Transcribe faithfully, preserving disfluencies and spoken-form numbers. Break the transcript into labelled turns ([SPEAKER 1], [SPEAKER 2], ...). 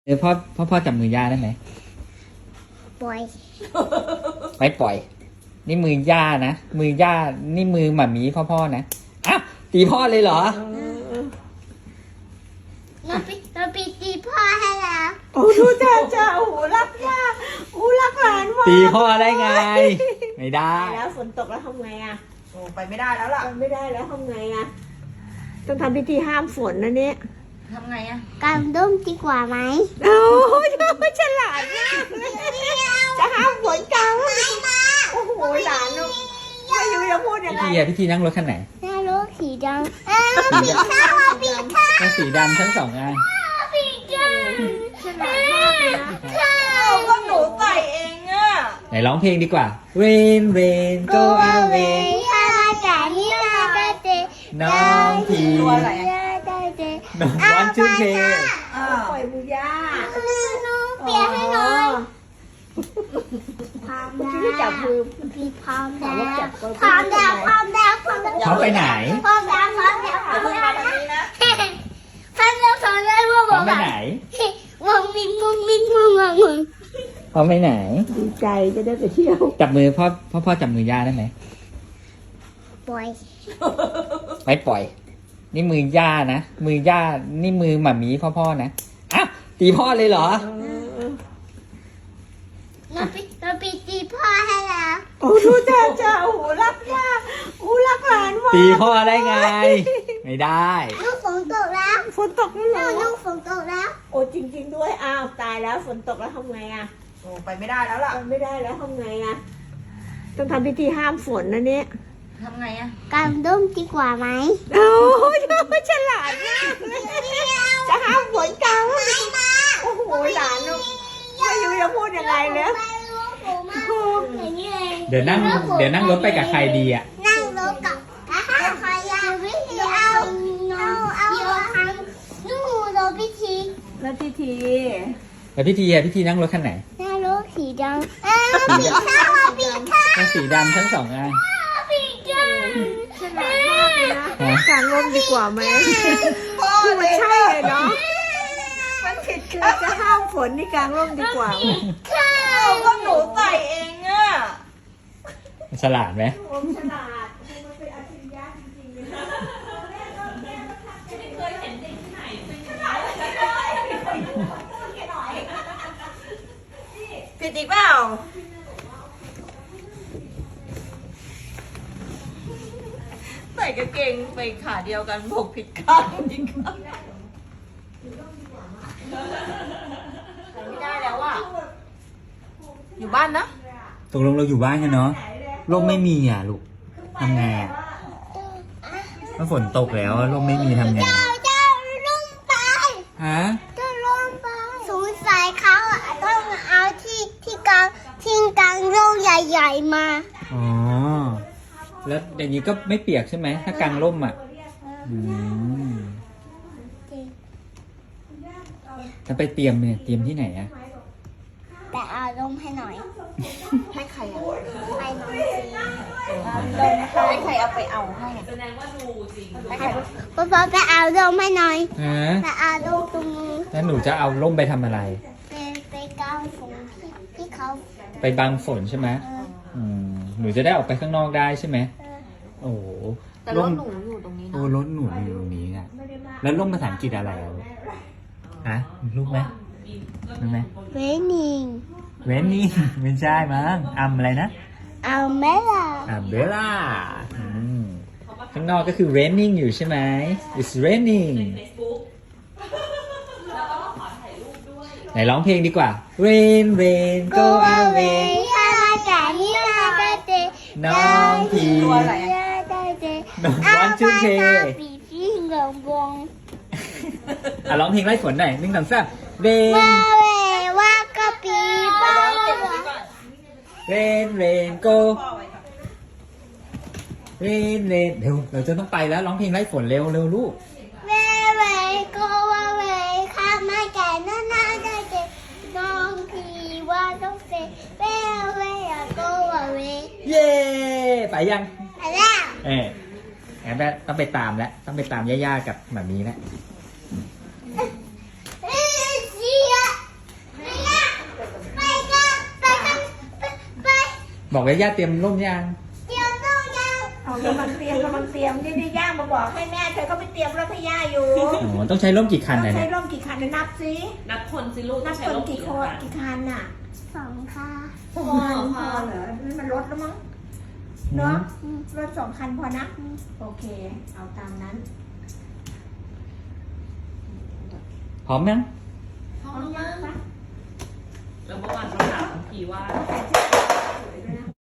[SPEAKER 1] เออพ่อพ่อพ่อจับมือย่าได้ไหม
[SPEAKER 2] ปล่อย
[SPEAKER 1] ไม่ปล่อย นี่มือย่านะมือย่านี่มือหมามีพ่อพ่อนะอ้าวตีพ่อเลยเหรอ
[SPEAKER 2] เราไปเราไปตีพ่อให้แล้ว
[SPEAKER 3] โอ้ดูจ้าจ้าโอ้โหรักย่าโอ้รักหลานมาก
[SPEAKER 1] ตีพ่อได้ไงไม่ได้
[SPEAKER 3] แล้วฝนตกแล้วทำไงอ่ะ
[SPEAKER 4] โอ้ไปไม่ได้แล้วล่ะ
[SPEAKER 3] ไปไม่ได้แล้วทำไงอ่ะต้องทำพิธีห้ามฝนนะเนี่ย
[SPEAKER 4] ทำไงอ่ะ
[SPEAKER 2] กางร่มดีกว่าไหม
[SPEAKER 3] โอ้ยฉลาดมากจะห้ามฝนกลางโอ้โหหลานลูกไม่รู้จะพูดยังไง
[SPEAKER 1] พี่ทีอะพี่ทีนั่งรถคันไหน
[SPEAKER 2] นั่งรถสีดำอ้าวปีข้าวปีข้าว
[SPEAKER 1] ก็สีดำทั้งสองอัน
[SPEAKER 2] ปีข้าว
[SPEAKER 3] ฉลาดมากเลยนะ
[SPEAKER 4] ข้าวก็หนูใส่เองอ่ะ
[SPEAKER 1] ไหนร้องเพลงดีกว่า Rain Rain Go Away น้องพี
[SPEAKER 4] ตัวอะไรอ่ะ
[SPEAKER 1] น้องวันชื่อเพลง
[SPEAKER 3] ปล่อยมือย่า
[SPEAKER 2] น้องเปียกให้หน่อยพร้อม
[SPEAKER 3] เมื่อกี้จับมือ
[SPEAKER 2] พี่พร้อมแล้วพร้อมแล้วพร้อมแล้วพร้อมแล้ว
[SPEAKER 1] เขาไปไหน
[SPEAKER 2] พร้อมแล้วพร้อมแล้วพร้อมแล้วพร้อมแล้วพร้อมแล้วว่าบ
[SPEAKER 1] เขา
[SPEAKER 2] อก
[SPEAKER 1] ไปไหน
[SPEAKER 2] วงมิงวงมิงวงวงวง
[SPEAKER 1] เขาไปไหน
[SPEAKER 3] ดีใจจะได้ไปเที่ยว
[SPEAKER 1] จับมือพ่อพ่อพ่อจับมือย่าได้ไหม
[SPEAKER 2] ปล่อย
[SPEAKER 1] ไม่ปล่อย นี่มือย่านะมือย่านี่มือหมามีพ่อพ่อนะอ้าวตีพ่อเลยเหรอ
[SPEAKER 2] เราไปเราไปตีพ่อให้แล้ว
[SPEAKER 3] โอ้ดูจ้าจ้าโอ้โหรักย่าโอ้รักหลานมาก
[SPEAKER 1] ตีพ่อได้ไงไม่ได้
[SPEAKER 2] ลูกฝนตกแล้ว
[SPEAKER 3] ฝนตกแล้วเหรอ
[SPEAKER 2] ลูกฝนตกแล้ว
[SPEAKER 3] โอ้จริงๆด้วยอ้าวตายแล้วฝนตกแล้วทำไงอ่ะ
[SPEAKER 4] โอ้ไปไม่ได้แล้วล่ะ
[SPEAKER 3] ไปไม่ได้แล้วทำไงอ่ะต้องทำพิธีห้ามฝนนะเนี่ย
[SPEAKER 4] ทำไงอ่ะ
[SPEAKER 2] กางร่มดีกว่าไหม
[SPEAKER 3] โอ้ยฉลาดมากจะห้ามฝนกลางโอ้โหหลานลูกไม่รู้จะพูดยังไงเลย
[SPEAKER 1] เดี๋ยวนั่งเดี๋ยวนั่งรถไปกับใครดีอ่ะ
[SPEAKER 2] นั่งรถกับใครอะวิธีเอาเอาเอานู่นรถพิธี
[SPEAKER 3] แล้วพิธี
[SPEAKER 1] แล้วพี่ทีอะพี่ทีนั่งรถคันไหน
[SPEAKER 2] นั่งรถสีดำอ้าวปีข้าวปีข้าว
[SPEAKER 1] ก็สีดำทั้งสองอัน
[SPEAKER 2] ปีข้าว
[SPEAKER 3] ฉลาดมากเลยนะกางร่มดีกว่าไหมคือมันใช่เลยเนาะมันผิดคือจะห้ามฝนนี่กางร่มดีกว่า
[SPEAKER 2] ข้าว
[SPEAKER 4] ก็หนูใส่เองอ่ะ
[SPEAKER 1] ฉลาดไหม
[SPEAKER 3] ผมฉลาดมันเป็นอัจฉริยะจริงๆเลยนะเคยเห็นเด็กที่ไหนเป็นอย่างนี้
[SPEAKER 4] ผิดอีกเปล่าใส่กางเกงไปขาเดียวกันบกผิดข้างอีกข้างใส่ไม่ได้แล้วอ่ะอยู่บ้านนะ
[SPEAKER 1] ตกลงเราอยู่บ้านกันเนาะร่มไม่มีอ่ะลูกทำไงอ่ะเมื่อฝนตกแล้วร่มไม่มีทำไง
[SPEAKER 2] เจ้าเจ้าลุ่มไป
[SPEAKER 1] ฮะ
[SPEAKER 2] เจ้าลุ่มไปสงสัยเขาอะต้องเอาที่ที่กลางที่กลางร่มใหญ่ๆมา
[SPEAKER 1] อ๋อแล้วอย่างนี้ก็ไม่เปียกใช่ไหมถ้ากางร่มอ่ะอืมจะไปเตรียมเนี่ยเตรียมที่ไหนอ่ะ
[SPEAKER 2] แต่เอาร่มให้หน่อย
[SPEAKER 4] ให้ใครอ่ะ
[SPEAKER 2] ให้น้องสิ
[SPEAKER 4] ให้ใครเอาไปเอาให้แสดงว่าดูจริง
[SPEAKER 2] พ่อพ่อไปเอาร่มให้หน่อย
[SPEAKER 1] ฮะ
[SPEAKER 2] ไปเอาร่มตรงนี้
[SPEAKER 1] แล้วหนูจะเอาร่มไปทำอะไร
[SPEAKER 2] ไปไปกางฝนที่ที่เขา
[SPEAKER 1] ไปบังฝนใช่ไหมอืมหนูจะได้ออกไปข้างนอกได้ใช่ไหมโอ้โห
[SPEAKER 4] แต่รถหนูอยู่ตรงนี้นะ
[SPEAKER 1] โอ้รถหนูอยู่ตรงนี้อ่ะแล้วร่มภาษาอังกฤษอะไรอ่ะฮะรู้ไหมรู้ไหม
[SPEAKER 2] เวนิง
[SPEAKER 1] เวนิงไม่ใช่มั้งอัมอะไรนะ
[SPEAKER 2] อัมเบล่า
[SPEAKER 1] อัมเบล่าข้างนอกก็คือ raining อยู่ใช่ไหม it's raining ไหนร้องเพลงดีกว่า rain rain go away น้องพีน้องวันชื่อเพลงอ่ะร้องเพลงไล่ฝนหน่อยหนึ่งสองสาม rain rain rain go rain rain เร็วเราจะต้องไปแล้วร้องเพลงไล่ฝนเร็วเร็วลูก
[SPEAKER 2] rain go away ข้ามาแก่นั่นน่าได้เจน้องพีว่าต้องเซ rain go away
[SPEAKER 1] เย้ไปยัง
[SPEAKER 2] ไปแล้ว
[SPEAKER 1] เอองั้นต้องไปตามแล้วต้องไปตามย่าๆกับหมามีแล้วบอกว่าย่าเตรียมร่มยัง
[SPEAKER 2] เดี๋ยวต้องยัง
[SPEAKER 3] เอากำลังเตรียมกำลังเตรียมนี่นี่ย่ามาบอกให้แม่เธอก็ไปเตรียมรถให้ย่าอยู่
[SPEAKER 1] อ๋อต้องใช้ร่มกี่คัน
[SPEAKER 3] ต้อง
[SPEAKER 1] นะ
[SPEAKER 3] ใช้
[SPEAKER 1] เนี่ย
[SPEAKER 3] ร่มกี่คันเดี๋ยวนับสิ
[SPEAKER 4] นับคนสิลูก
[SPEAKER 3] นับ
[SPEAKER 4] ใช้
[SPEAKER 3] คน
[SPEAKER 4] ร่ม
[SPEAKER 3] กี่คนกี่คันน่ะ
[SPEAKER 2] สองค่ะ
[SPEAKER 3] พอพอเหรอนี่มันรถแล้วมั้งเนาะรถสองคันพอนะ โอเค เอาตามนั้น
[SPEAKER 1] พร้อมยัง
[SPEAKER 4] พร้อมยัง
[SPEAKER 3] ปะ
[SPEAKER 4] แล้วเมื่อวานเขาถามพี่ว่า
[SPEAKER 3] ใส่เสื้อ